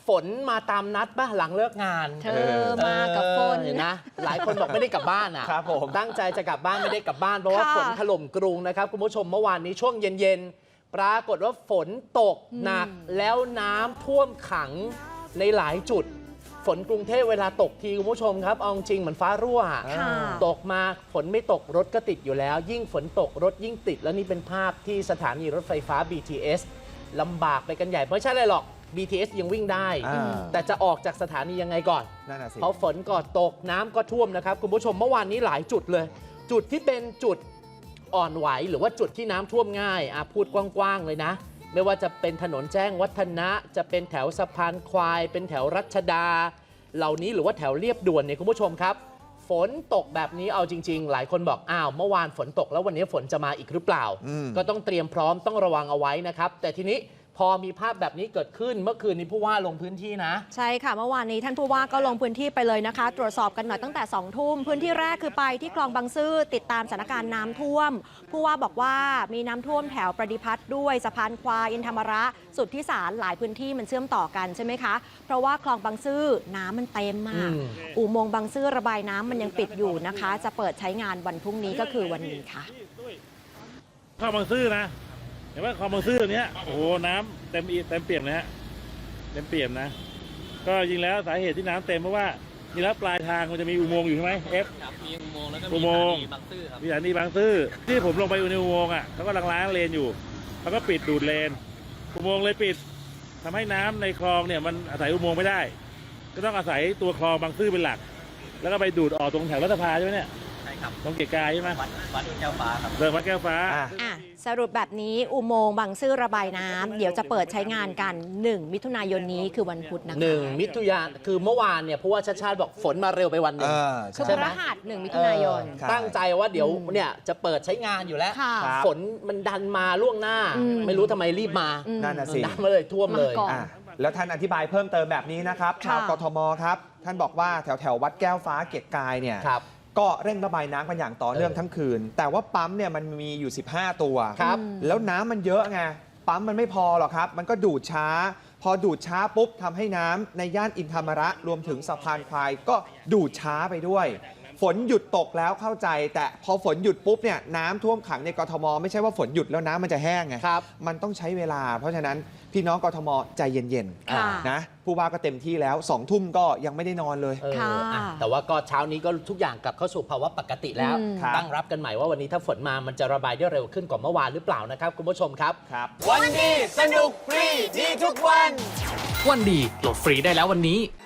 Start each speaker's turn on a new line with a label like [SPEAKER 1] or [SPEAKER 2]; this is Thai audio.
[SPEAKER 1] ฝนมาตามนัดป่ะหลังเลิกงาน
[SPEAKER 2] เธอมากับฝน
[SPEAKER 1] นะหลายคนบอกไม่ได้กลับบ้านอ่ะ
[SPEAKER 3] ครับผม
[SPEAKER 1] ตั้งใจจะกลับบ้านไม่ได้กลับบ้านเพราะว่าฝนถล่มกรุงนะครับคุณผู้ชมเมื่อวานนี้ช่วงเย็นๆปรากฏว่าฝนตกหนักแล้วน้ำท่วมขังในหลายจุดฝนกรุงเทพเวลาตกทีคุณผู้ชมครับเอาจริงเหมือนฟ้ารั่วตกมาฝนไม่ตกรถก็ติดอยู่แล้ว ยิ่งฝนตกรถยิ่งติดแล้วนี่เป็นภาพที่สถานีรถไฟฟ้า BTS ลำบากไปกันใหญ่ไม่ใช่อะไรหรอก BTS ยังวิ่งได้ แต่จะออกจากสถานียังไงก่อนเพราะฝนก็ตกน้ำก็ท่วมนะครับคุณผู้ชมเมื่อวานนี้หลายจุดเลย จุดที่เป็นจุดอ่อนไหวหรือว่าจุดที่น้ำท่วมง่ายพูดกว้างๆเลยนะไม่ว่าจะเป็นถนนแจ้งวัฒนะจะเป็นแถวสะพานควายเป็นแถวรัชดาเหล่านี้หรือว่าแถวเรียบด่วนเนี่ยคุณผู้ชมครับฝนตกแบบนี้เอาจริงๆหลายคนบอกอ้าวเมื่อวานฝนตกแล้ววันนี้ฝนจะมาอีกหรือเปล่าก็ต้องเตรียมพร้อมต้องระวังเอาไว้นะครับแต่ทีนี้พอมีภาพแบบนี้เกิดขึ้นเมื่อคืนนี้ผู้ว่าลงพื้นที่นะ
[SPEAKER 2] ใช่ค่ะเมื่อวานนี้ท่านผู้ว่าก็ลงพื้นที่ไปเลยนะคะตรวจสอบกันหน่อยตั้งแต่2 ทุ่มพื้นที่แรกคือไปที่คลองบางซื่อติดตามสถานการณ์น้ำท่วมผู้ว่าบอกว่ามีน้ำท่วมแถวประดิพัฒน์ด้วยสะพานควายอินธรรมระสุทธิสารหลายพื้นที่มันเชื่อมต่อกันใช่ไหมคะเพราะว่าคลองบางซื่อน้ำมันเต็มมากอุโมงค์บางซื่อระบายน้ำมันยังปิดอยู่นะคะจะเปิดใช้งานวันพรุ่งนี้ก็คือวันนี้ค่ะ
[SPEAKER 4] คลองบางซื่อนะเห็นว่าคลองบางซื่อตัวนี้โอ้โหน้ำเต็มเปี่ยมนะฮะเต็มเปี่ยมนะก็จริงแล้วสาเหตุที่น้ำเต็มเพราะว่านี่แล้วปลายทางมันจะมีอุโมงค์อยู่ใช่ไหม
[SPEAKER 5] มีอุโมงค์แล้วก็
[SPEAKER 4] มีสถานีบางซื่อครับมีสถานีบางซื่อที่ผมลงไปในอุโมงค์เขากำลังล้างเลนอยู่เขาก็ปิดดูดเลนอุโมงค์เลยปิดทำให้น้ำในคลองเนี่ยมันอาศัยอุโมงค์ไม่ได้ก็ต้องอาศัยตัวคลองบางซื่อเป็นหลักแล้วก็ไปดูดออกตรงแถวรัฐสภาใช่ไหมเนี่ย
[SPEAKER 5] ใช่ครับ
[SPEAKER 4] ตรงเกียรติกายใช่ไหม
[SPEAKER 5] วัดแก้วฟ้าครับ
[SPEAKER 4] วัดแก้วฟ้า
[SPEAKER 2] สรุปแบบนี้อุโมงค์บางซื่อระบายน้ำเดี๋ยวจะเปิดใช้งานกัน1 มิถุนายนนี้คือวันพุธนะคะ
[SPEAKER 1] 1 มิถุนายนคือเมื่อวานเนี่ยเพราะว่าชาติชาติบอกฝนมาเร็วไปวันหนึ่ง
[SPEAKER 2] คือพฤหัส1 มิถุนายน
[SPEAKER 1] ตั้งใจว่าเดี๋ยวเนี่ยจะเปิดใช้งานอยู่แล้วฝนมันดันมาล่วงหน้าไม่รู้ทำไมรีบมา
[SPEAKER 3] นั่นน่ะสิ
[SPEAKER 1] น้ำมาเลยท่วมเลย
[SPEAKER 3] แล้วท่านอธิบายเพิ่มเติมแบบนี้นะครับชาวกทมครับท่านบอกว่าแถววัดแก้วฟ้าเกียรติกายเนี่ยก็เร่งระบายน้ำกันอย่างต่อเนื่องทั้งคืนแต่ว่าปั๊มเนี่ยมันมีอยู่15ตัวแล้วน้ำมันเยอะไงปั๊มมันไม่พอหรอกครับมันก็ดูดช้าพอดูดช้าปุ๊บทำให้น้ำในย่านอินธรรมระรวมถึงสะพานควายก็ดูดช้าไปด้วยฝนหยุดตกแล้วเข้าใจแต่พอฝนหยุดปุ๊บเนี่ยน้ำท่วมขังในกทมไม่ใช่ว่าฝนหยุดแล้วน้ำมันจะแห้งไงมันต้องใช้เวลาเพราะฉะนั้นพี่น้องกทมใจเย็นๆนะผู้ว่าก็เต็มที่แล้ว2 ทุ่มก็ยังไม่ได้นอนเลย
[SPEAKER 1] แต่ว่าก็เช้านี้ก็ทุกอย่างกลับเข้าสู่ภาวะปกติแล้วตั้งรับกันใหม่ว่าวันนี้ถ้าฝนมามันจะระบายได้เร็วขึ้นกว่าเมื่อวานหรือเปล่านะครับคุณผู้ชมครับ
[SPEAKER 3] วันดีสนุกฟรีดีทุกวัน
[SPEAKER 6] วันดีโหลดฟรีได้แล้ววันนี้